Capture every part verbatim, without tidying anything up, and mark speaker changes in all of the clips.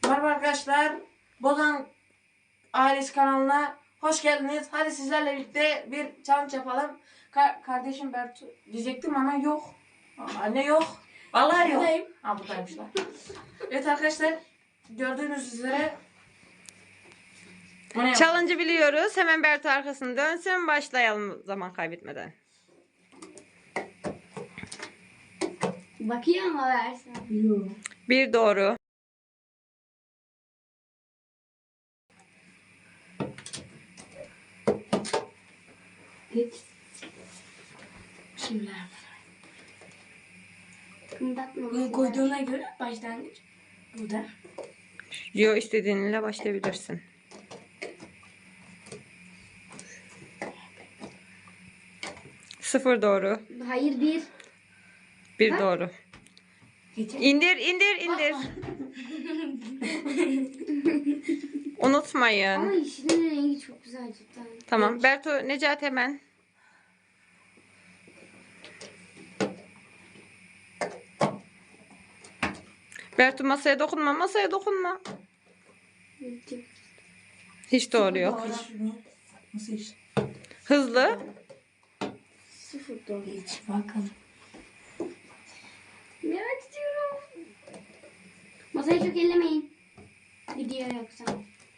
Speaker 1: Merhaba arkadaşlar. Bozan Ailesi kanalına hoş geldiniz. Hadi sizlerle birlikte bir challenge yapalım. Ka kardeşim Bertu diyecektim ama yok. Anne yok. Vallahi yok.
Speaker 2: Buradayım.
Speaker 1: Ha buradaymışlar. Evet arkadaşlar, gördüğünüz üzere
Speaker 3: Challenge'ı biliyoruz. Hemen Bertu arkasını dönsün. Başlayalım zaman kaybetmeden.
Speaker 2: Bakıyor ama versin.
Speaker 1: Yok.
Speaker 3: Bir doğru.
Speaker 2: Hiç. Bismillahirrahmanirrahim. Kımdatma.
Speaker 4: Bunu koyduğuna göre başlangıç burada.
Speaker 3: Yo, istediğinle başlayabilirsin. Sıfır doğru.
Speaker 2: Hayır bir.
Speaker 3: Bir
Speaker 2: Ha?
Speaker 3: doğru.
Speaker 4: Geçen.
Speaker 3: İndir, indir, indir. Unutmayın.
Speaker 2: Ama yeşilin rengi çok güzel cidden.
Speaker 3: Tamam. Bertu, Necati hemen. Bertu, masaya dokunma, masaya dokunma. Hiç doğru yok.
Speaker 1: Nasıl iş?
Speaker 3: Hızlı.
Speaker 2: Sıfır doğru.
Speaker 4: Geç bakalım.
Speaker 2: Merak ediyorum. Masayı çok ellemeyin. Gidiyor yoksa.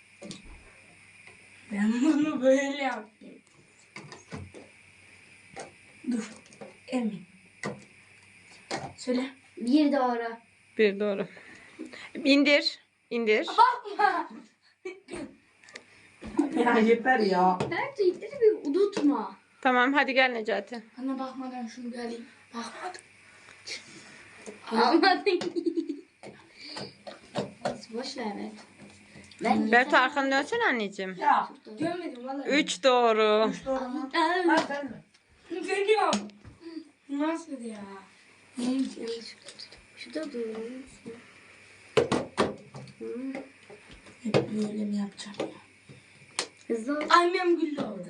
Speaker 4: Ben bunu böyle yaptım. Dur. Emin. Söyle.
Speaker 2: Bir doğru.
Speaker 3: Bir doğru. İndir. İndir.
Speaker 1: Ya yeter ya.
Speaker 2: Bertu ipleri bir unutma.
Speaker 3: Tamam, hadi gel Necati.
Speaker 4: Bana bakmadan şunu bir alayım. Bakmadım.
Speaker 2: Almadın. Boş ver Bertu. Ben
Speaker 3: Bertu, arkanı dönsene anneciğim.
Speaker 1: Ya.
Speaker 4: Görmedim vallahi.
Speaker 3: Üç doğru.
Speaker 1: Üç doğru mu?
Speaker 2: Aa,
Speaker 1: Bak sen mi?
Speaker 4: Görüyorum. Nasıl ya? Neymiş?
Speaker 2: Şurada dur. Hmm.
Speaker 4: Hep böyle mi yapacağım ya?
Speaker 2: Hızlı ol.
Speaker 4: Annem güldü orada.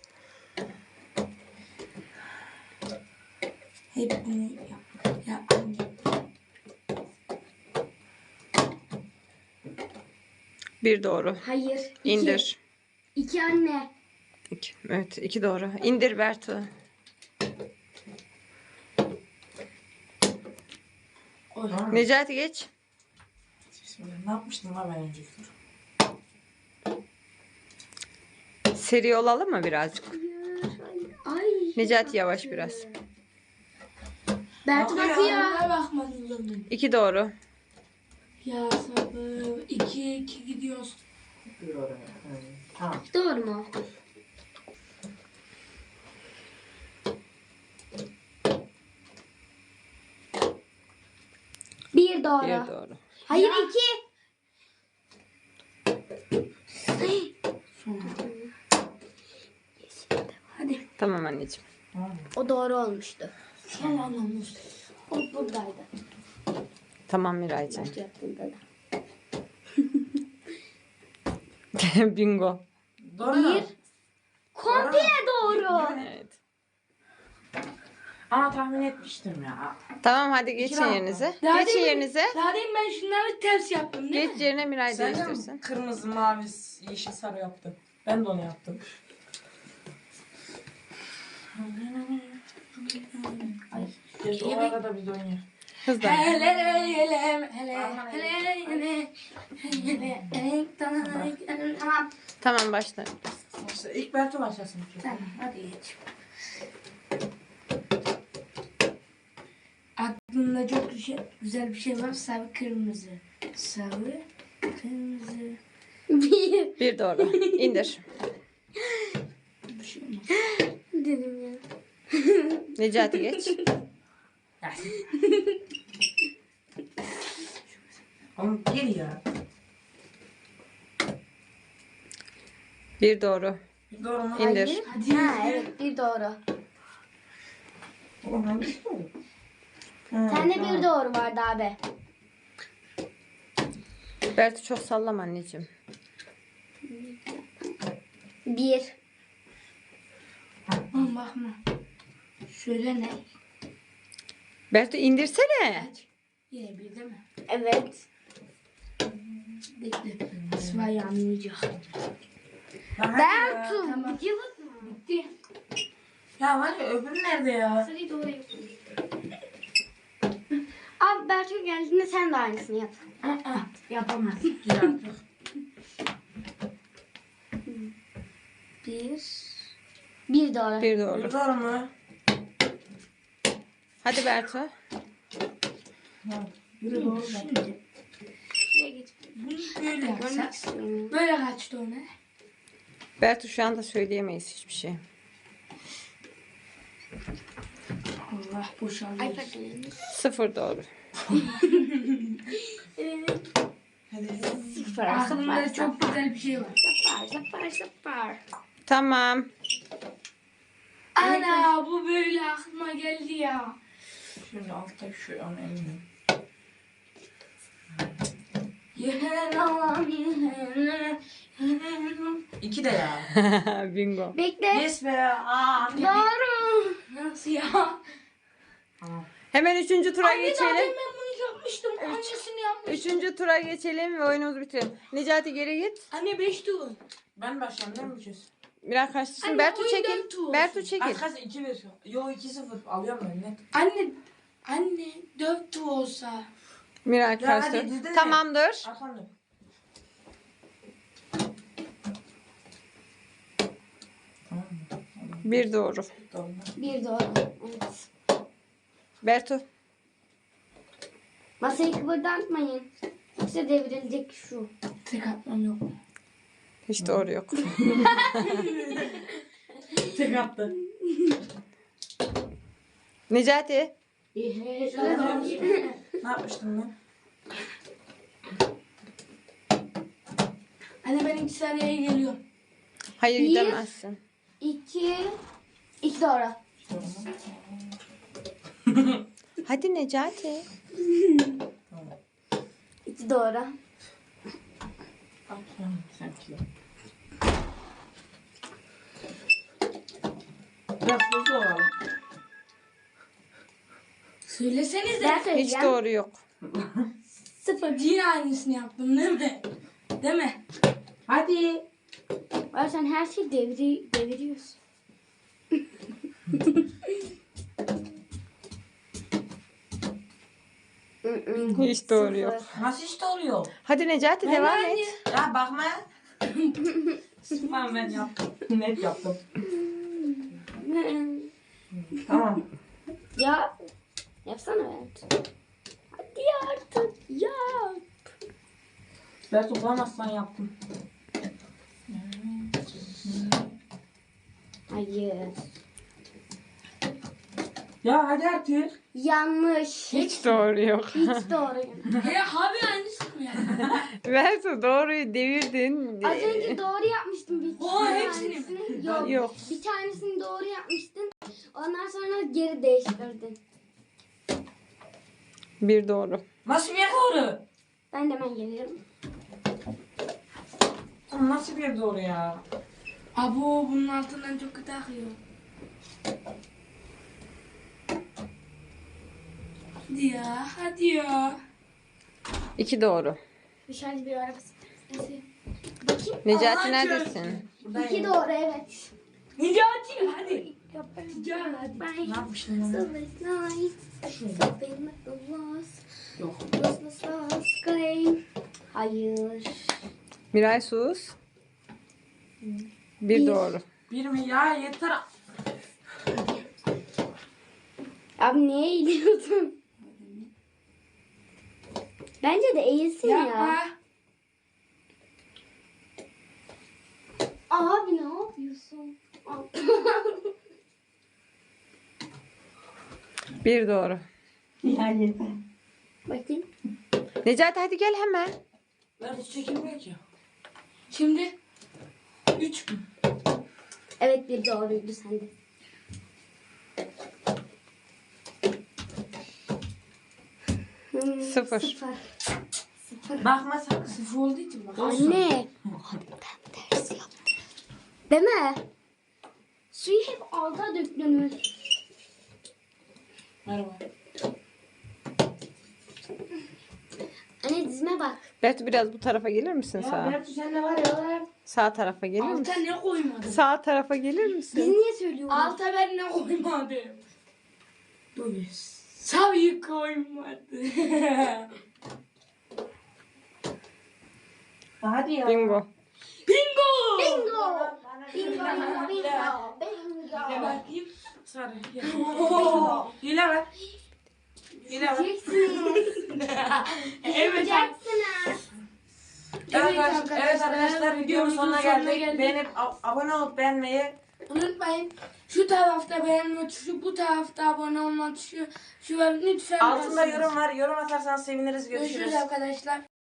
Speaker 4: Hep bunu yap. Ya anne.
Speaker 3: Bir doğru.
Speaker 2: Hayır. İki.
Speaker 3: İndir.
Speaker 2: İki anne.
Speaker 3: İki. Evet, iki doğru. İndir Bertu.
Speaker 4: Oy.
Speaker 3: Necati geç.
Speaker 1: Bismillah. Ne yapmıştım lan ben önceki tur?
Speaker 3: Seri olalım mı birazcık?
Speaker 2: Ay.
Speaker 3: Necati yavaş biraz.
Speaker 2: Bertu
Speaker 1: Bakıyor.
Speaker 2: bakıyor.
Speaker 4: Bana bakmadın canım.
Speaker 3: İki doğru.
Speaker 4: Ya sabır. İki iki gidiyoruz.
Speaker 1: Bir oraya. Evet. Tamam.
Speaker 2: Doğru mu? Bir doğru.
Speaker 3: Bir doğru.
Speaker 2: Hayır iki.
Speaker 4: Hadi.
Speaker 3: Tamam anneciğim.
Speaker 1: Tamam.
Speaker 2: O doğru olmuştu.
Speaker 4: Sen anlamışsın.
Speaker 2: O buradaydı.
Speaker 3: Tamam Miraycığım.
Speaker 2: Bertu yaptığında da.
Speaker 3: Bingo.
Speaker 1: Doğru mu?
Speaker 2: Bir. Komple doğru.
Speaker 3: Evet.
Speaker 1: Ama tahmin etmiştim ya.
Speaker 3: Tamam, hadi geçin
Speaker 1: İki
Speaker 3: yerinize.
Speaker 4: Daha
Speaker 3: Geçin
Speaker 4: demin-
Speaker 3: yerinize.
Speaker 4: Daha demin ben şunları ters yaptım değil
Speaker 3: Geç
Speaker 4: mi?
Speaker 3: yerine Miray
Speaker 1: Sen de
Speaker 3: değiştirsin.
Speaker 1: mi kırmızı, mavi, yeşil, sarı yaptın? Ben de onu yaptım.
Speaker 4: Ay.
Speaker 1: Biz o arada biz oynayalım.
Speaker 3: Hızlı.
Speaker 4: Hele hele hele hele hele hele hele hele.
Speaker 2: Tamam.
Speaker 3: Tamam, başla.
Speaker 1: İşte ilk Bertu başlasın.
Speaker 4: Tamam hadi geç. Aklımda çok güzel, güzel bir şey var. Sarı kırmızı. Sarı kırmızı.
Speaker 2: Bir.
Speaker 3: Bir doğru. İndir.
Speaker 4: Bir şey olmaz.
Speaker 2: Dedim ya.
Speaker 3: Necati geç.
Speaker 1: Oğlum gel ya.
Speaker 3: Bir doğru.
Speaker 1: Doğru mu?
Speaker 3: İndir.
Speaker 2: Hayır.
Speaker 4: Hadi.
Speaker 2: Ha evet bir doğru.
Speaker 1: Oğlum hangisi doğru?
Speaker 2: Sende bir doğru vardı abi.
Speaker 3: Bertu, çok sallama anneciğim.
Speaker 2: Bir.
Speaker 4: Bakma bakma. Şöyle ne?
Speaker 3: Bertu, indirsene.
Speaker 4: Kaç? Yine bir değil mi?
Speaker 2: Evet.
Speaker 4: Bekle. İsmail anlayacak.
Speaker 1: Lan hadi ya.
Speaker 2: Bertu.
Speaker 4: Tamam.
Speaker 2: Cıvık mı?
Speaker 4: Bitti.
Speaker 1: Ya var ya öbürü nerede ya?
Speaker 2: Sarıyı doğru yapın. Abi Bertu geldiğinde sen de aynısını yap.
Speaker 4: Aa, yapamaz.
Speaker 1: Dur artık.
Speaker 2: Bir. Bir doğru.
Speaker 3: Bir doğru.
Speaker 1: Doğru mu?
Speaker 3: Hadi Bertu.
Speaker 1: Ha, biri doğru. da.
Speaker 4: Şimdi
Speaker 2: Şuraya geç.
Speaker 4: bunu böyle
Speaker 2: Görmek
Speaker 4: yapsak.
Speaker 2: istiyorum.
Speaker 4: Böyle kaçtı ona.
Speaker 3: Bertu şu anda söyleyemeyiz hiçbir şey.
Speaker 4: Allah boşaldı.
Speaker 2: Ay pardon.
Speaker 3: Sıfır doğru.
Speaker 1: Hadi.
Speaker 2: Sıfır.
Speaker 4: Aklımda
Speaker 2: Sıfır.
Speaker 4: çok güzel bir şey var.
Speaker 2: Sıfır. Sıfır. Sıfır.
Speaker 3: Tamam.
Speaker 4: Ana bu böyle aklıma geldi ya.
Speaker 1: Şöyle altta şu an eminim.
Speaker 4: Yenen alam yenen. Yenen.
Speaker 1: İki de ya.
Speaker 3: Bingo.
Speaker 2: Bekle.
Speaker 1: Yes be. Aa.
Speaker 2: Doğru.
Speaker 4: Nasıl ya?
Speaker 1: Tamam.
Speaker 3: Hemen üçüncü tura
Speaker 4: Anne zaten
Speaker 3: geçelim.
Speaker 4: ben bunu yapmıştım. Annesini yapmıştım.
Speaker 3: Üçüncü tura geçelim ve oyunumuzu bitirelim. Necati geri git.
Speaker 4: Anne beş tur.
Speaker 1: Ben başlayayım değil mi bu kez?
Speaker 3: Biraz karşısın.
Speaker 4: Anne,
Speaker 3: Bertu
Speaker 4: oyun
Speaker 3: çekil.
Speaker 4: dört tur
Speaker 3: Bertu
Speaker 4: olsun.
Speaker 3: çekil.
Speaker 1: Kaç kaç iki bir. Yo iki sıfır. Alıyorum ben net.
Speaker 4: Anne anne dört tur olsa.
Speaker 3: Miray
Speaker 1: Ya
Speaker 3: karşı.
Speaker 1: hadi dedin mi?
Speaker 3: Tamamdır.
Speaker 1: Arkamda. Tamam mı?
Speaker 3: Bir doğru.
Speaker 1: Doğru.
Speaker 2: Bir doğru. Evet.
Speaker 3: Bertu.
Speaker 2: Masayı kıpırdatmayın. Yoksa devrilecek şu.
Speaker 4: Tek atmam yok.
Speaker 3: Hiç doğru yok.
Speaker 1: Tek attı.
Speaker 3: Necati.
Speaker 1: Ne yapmıştım ben?
Speaker 4: Anne ben iki saniyeye geliyorum.
Speaker 3: Hayır
Speaker 2: Bir.
Speaker 3: gidemezsin.
Speaker 2: İki. İki doğru.
Speaker 3: Hadi Necati.
Speaker 1: Tamam.
Speaker 2: İki doğru.
Speaker 1: Atıyorum sanki. Biraz hızlı olalım.
Speaker 4: Söylesenize.
Speaker 2: Ben
Speaker 3: Hiç
Speaker 2: söyleyeceğim.
Speaker 3: doğru yok.
Speaker 2: Sıfır.
Speaker 4: Yine aynısını yaptım değil mi? Değil mi?
Speaker 1: Hadi.
Speaker 2: Ay sen her şeyi devri, deviriyorsun.
Speaker 3: Hiç doğru yok.
Speaker 1: Nasıl işte oluyor?
Speaker 3: Hadi Necati devam
Speaker 4: anne.
Speaker 3: et.
Speaker 1: Ya bakma. Tamam ben yaptım. Net yaptım. Tamam.
Speaker 2: Ya yapsana evet. Hadi artık yap.
Speaker 1: Ben toplamazsan yaptım.
Speaker 2: Hayır.
Speaker 1: Ya hadi artık.
Speaker 2: Yanlış.
Speaker 3: Hiç doğru yok.
Speaker 2: Hiç doğru.
Speaker 4: He abi aynısını mı yaptın?
Speaker 3: Bertu doğruyu devirdin.
Speaker 2: Az önce doğru yapmıştım bir
Speaker 4: Oha,
Speaker 2: bir
Speaker 4: hepsini mi?
Speaker 2: tanesini. Yok.
Speaker 3: Yok.
Speaker 2: Bir tanesini doğru yapmıştın. Ondan sonra geri değiştirdin.
Speaker 3: Bir doğru.
Speaker 1: Nasıl bir doğru?
Speaker 2: Ben de hemen gelirim.
Speaker 1: Oğlum nasıl bir doğru ya?
Speaker 4: Abo bunun altından çok kötü akıyor. Hadi ya, hadi ya.
Speaker 3: İki doğru.
Speaker 2: Dışarıda bir araba sesi. Bakayım.
Speaker 3: Necati
Speaker 1: Allah'ın
Speaker 3: neredesin?
Speaker 1: Buradayım.
Speaker 2: İki doğru evet.
Speaker 4: Necati hadi. Can hadi.
Speaker 2: Ben
Speaker 1: Ne yapmıştım ben?
Speaker 2: Silver night. Something like the lost.
Speaker 1: Yok.
Speaker 2: Lost, lost, lost sky. Hayır.
Speaker 3: Miray sus. Bir
Speaker 2: Bir.
Speaker 3: doğru.
Speaker 1: Bir mi ya yeter.
Speaker 2: Abi niye eğiliyordun? Bence de eğilsin ya.
Speaker 4: Yapma.
Speaker 2: Abi ne yapıyorsun?
Speaker 3: Bir doğru.
Speaker 1: Ya yeter.
Speaker 2: Bakayım.
Speaker 3: Necati hadi gel hemen.
Speaker 1: Ben hiç çekilmiyor ki.
Speaker 4: Şimdi üç mü?
Speaker 2: Evet bir doğruydu sende. Hmm,
Speaker 3: Sıfır.
Speaker 2: Sıfır. Sıfır.
Speaker 1: Bakma sakın.
Speaker 4: Sıfır olduğu için bak.
Speaker 2: Anne. Ben ters yaptım. Değil mi? Suyu hep alta dökülür.
Speaker 1: Merhaba.
Speaker 2: Anne dizime bak.
Speaker 3: Bertu biraz bu tarafa gelir misin
Speaker 1: Ya
Speaker 3: sağa?
Speaker 1: Bertu sen de var ya.
Speaker 3: Sağ tarafa gelir
Speaker 4: Alta
Speaker 3: misin?
Speaker 4: ne koymadım?
Speaker 3: Sağ tarafa gelir
Speaker 2: Biz
Speaker 3: misin?
Speaker 2: niye söylüyoruz?
Speaker 4: Alta ben ne koymadım? Dur. Savıyı koymadım.
Speaker 1: Hadi ya.
Speaker 3: Bingo.
Speaker 4: Bingo!
Speaker 2: Bingo. Bingo. Bingo. Bingo.
Speaker 1: Hile
Speaker 2: Bingo.
Speaker 1: bakayım. Sarı. Hile ver. Hile ver.
Speaker 4: Evet.
Speaker 2: Yapacaksınız.
Speaker 1: Evet,
Speaker 4: Evet
Speaker 1: arkadaşlar, evet arkadaşlar videonun sonuna geldik. Beğenip ab- abone olup beğenmeyi
Speaker 4: Unutmayın. Şu tarafta beğenme tuşu, bu tarafta abone olma tuşu. Şu lütfen
Speaker 1: altında
Speaker 4: basınız.
Speaker 1: yorum var. Yorum atarsanız seviniriz. Görüşürüz.
Speaker 4: Görüşürüz arkadaşlar.